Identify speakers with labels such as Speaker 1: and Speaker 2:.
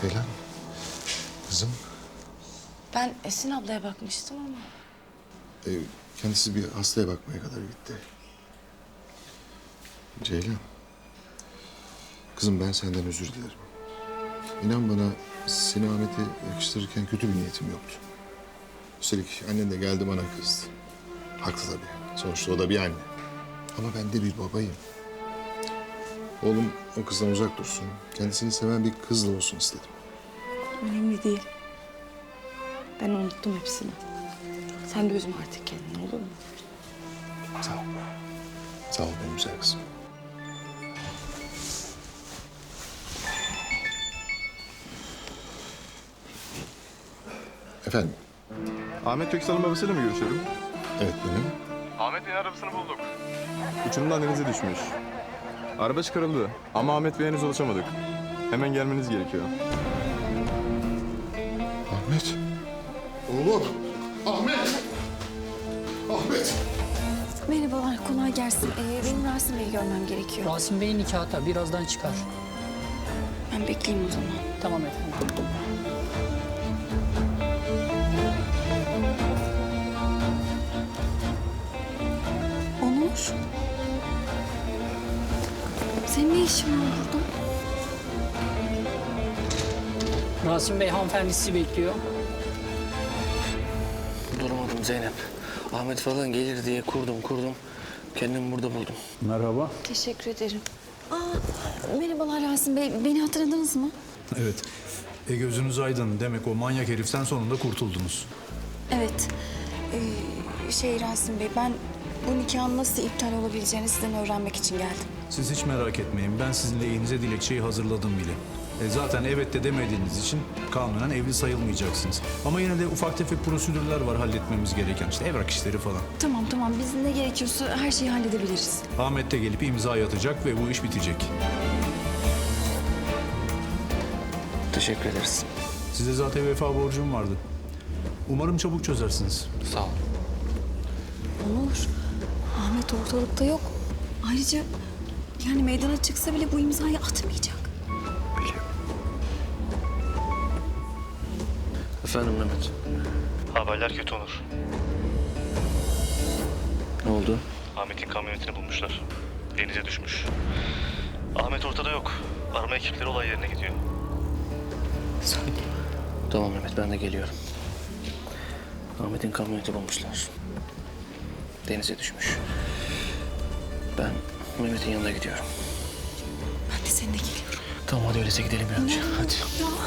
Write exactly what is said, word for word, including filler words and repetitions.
Speaker 1: Ceylan, kızım.
Speaker 2: Ben Esin ablaya bakmıştım ama.
Speaker 1: E, kendisi bir hastaya bakmaya kadar gitti. Ceylan. Kızım ben senden özür dilerim. İnan bana seni Ahmet'e yakıştırırken kötü bir niyetim yoktu. Üstelik annen de geldi bana kızdı. Haklı tabii. Sonuçta o da bir anne. Ama ben de bir babayım. Oğlum o kızdan uzak dursun. Kendisini seven bir kızla olsun istedim.
Speaker 2: Önemli değil. Ben unuttum hepsini. Sen de üzme artık kendini, olur mu?
Speaker 1: Sağ ol. Sağ ol benim güzel kızım. Efendim?
Speaker 3: Ahmet Köksal'ın babasıyla mı görüşüyorum?
Speaker 1: Evet benim.
Speaker 3: Ahmet Bey'in arabasını bulduk. Uçurumdan denize düşmüş. Araba çıkarıldı ama Ahmet Bey'e henüz ulaşamadık. Hemen gelmeniz gerekiyor.
Speaker 1: Ahmet. Oğlum. Ahmet. Ahmet.
Speaker 4: Merhabalar, kolay gelsin. Ee, benim Rasim Bey'i görmem gerekiyor.
Speaker 5: Rasim Bey'in nikahta birazdan çıkar.
Speaker 2: Ben bekleyeyim o zaman.
Speaker 5: Tamam efendim.
Speaker 4: Onur. Senin ne işin var burada?
Speaker 5: Rasim Bey hanımefendi sizi bekliyor.
Speaker 6: Duramadım Zeynep. Ahmet falan gelir diye kurdum kurdum. Kendimi burada buldum.
Speaker 7: Merhaba.
Speaker 4: Teşekkür ederim. Aa, merhabalar Rasim Bey. Beni hatırladınız mı?
Speaker 7: Evet. E gözünüz aydın. Demek o manyak heriften sonunda kurtuldunuz.
Speaker 4: Evet. Ee, şey Rasim Bey, ben bu nikahın nasıl iptal olabileceğini sizden öğrenmek için geldim.
Speaker 7: Siz hiç merak etmeyin. Ben sizin lehinize dilekçeyi hazırladım bile. E zaten evet de demediğiniz için kanunen evli sayılmayacaksınız. Ama yine de ufak tefek prosedürler var halletmemiz gereken. İşte evrak işleri falan.
Speaker 4: Tamam tamam, biz ne gerekiyorsa her şeyi halledebiliriz.
Speaker 7: Ahmet de gelip imza atacak ve bu iş bitecek.
Speaker 6: Teşekkür ederiz.
Speaker 7: Size zaten vefa borcum vardı. Umarım çabuk çözersiniz.
Speaker 6: Sağ ol.
Speaker 4: Onur, Ahmet ortalıkta yok. Ayrıca yani meydana çıksa bile bu imzayı atmayacak.
Speaker 6: Biliyorum. Efendim Mehmet.
Speaker 8: Haberler kötü Onur.
Speaker 6: Ne oldu?
Speaker 8: Ahmet'in kamyonetini bulmuşlar. Denize düşmüş. Ahmet ortada yok. Arama ekipleri olay yerine gidiyor.
Speaker 6: Tamam Mehmet, ben de geliyorum. Ahmet'in kamyoneti bulmuşlar. Denize düşmüş. Ben Mehmet'in yanına gidiyorum.
Speaker 4: Ben de seninle geliyorum.
Speaker 6: Tamam hadi öyleyse gidelim bir an önce. Hadi.
Speaker 4: Ya